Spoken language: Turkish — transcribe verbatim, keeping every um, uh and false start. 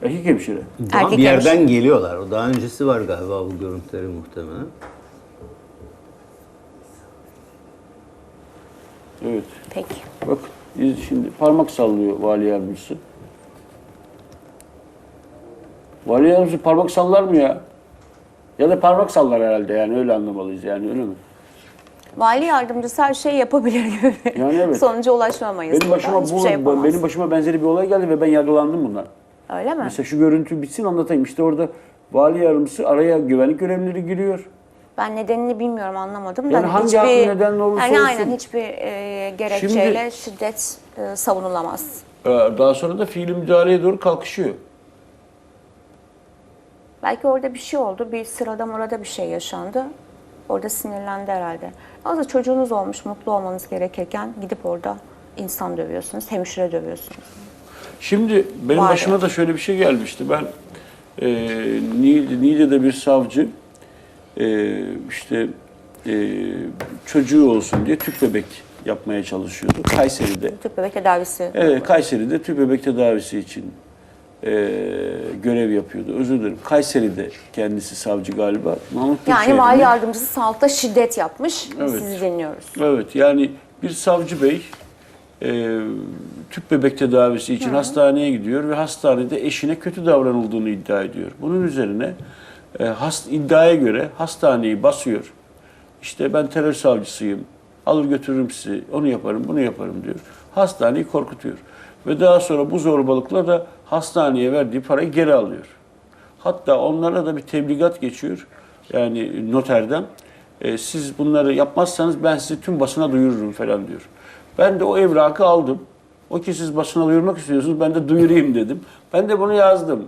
Erkek hemşire. Ama Erkek bir yerden hemşire. geliyorlar. O daha öncesi var galiba bu görüntüleri muhtemelen. Evet. Peki. Bakın biz şimdi parmak sallıyor vali yardımcısı. Vali yardımcısı parmak sallar mı ya? Ya da parmak sallar herhalde yani öyle anlamalıyız yani öyle mi? Vali yardımcısı her şeyi yapabilir gibi. Yani evet. Sonuca ulaşmamayız. Benim buradan. başıma Hiçbir bu, şey yapamaz. benim başıma benzeri bir olay geldi ve ben yargılandım bundan. Öyle mi? Mesela şu görüntü bitsin anlatayım. İşte orada vali yardımcısı araya güvenlik görevlileri giriyor. Ben nedenini bilmiyorum, anlamadım da. Yani hangi hiçbir, haklı nedenle olursa yani olsun. aynen hiçbir e, gerekçeyle şiddet e, savunulamaz. Ee, Daha sonra da fiili müdahaleye doğru kalkışıyor. Belki orada bir şey oldu, bir sırada mırada bir şey yaşandı. Orada sinirlendi herhalde. Aslında çocuğunuz olmuş, mutlu olmanız gerekirken gidip orada insan dövüyorsunuz, hemşire dövüyorsunuz. Şimdi benim Var başıma ya. da şöyle bir şey gelmişti. Ben e, Niğde- Niğde'de bir savcı e, işte e, çocuğu olsun diye tüp bebek yapmaya çalışıyordu Kayseri'de. Tüp bebek tedavisi. Evet, Kayseri'de tüp bebek tedavisi için e, görev yapıyordu. Özür dilerim. Kayseri'de kendisi savcı galiba. Mahmut Yani Büyükşehir'de. vali yardımcısı sağlıkta şiddet yapmış. Evet. Sizi dinliyoruz. Evet, yani bir savcı bey e, tüp bebek tedavisi için hastaneye gidiyor ve hastanede eşine kötü davranıldığını iddia ediyor. Bunun üzerine e, hast, iddiaya göre hastaneyi basıyor. İşte ben terör savcısıyım, alır götürürüm sizi, onu yaparım, bunu yaparım diyor. Hastaneyi korkutuyor. Ve daha sonra bu zorbalıkla da hastaneye verdiği parayı geri alıyor. Hatta onlara da bir tebligat geçiyor. Yani noterden. E, siz bunları yapmazsanız ben sizi tüm basına duyururum falan diyor. Ben de o evrakı aldım. O ki siz basına duyurmak istiyorsunuz, ben de duyurayım dedim. Ben de bunu yazdım.